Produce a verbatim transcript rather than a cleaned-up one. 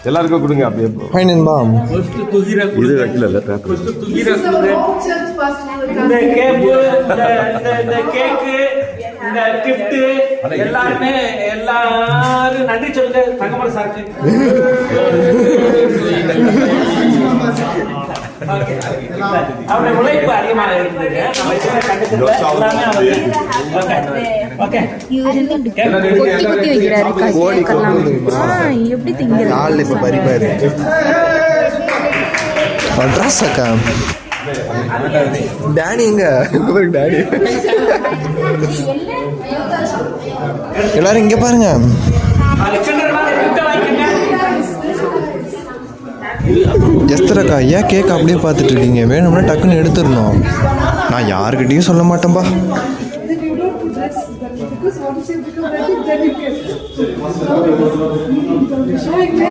எல்லாருக்கும் கொடுங்க அப்படியே. ஹாய் நண்பா. இது வைக்கல இல்ல இந்த கேப்பு இந்த கேக்கு இந்த கிஃப்ட் எல்லாருமே எல்லாரும் நன்றி சொல்லுங்க தங்கமலை சாருக்கு. அவருடைய உழைப்பு அதிகமாக இருந்தது. டேடி எங்க? டேடி எல்லாரும் இங்க பாருங்க. எஸ்தரக்கா ஏன் கேக் அப்படியே பார்த்துட்டு இருக்கீங்க? வேணும்னா டக்குன்னு எடுத்துடணும். நான் யாருக்கிட்டையும் சொல்ல மாட்டேன்பா.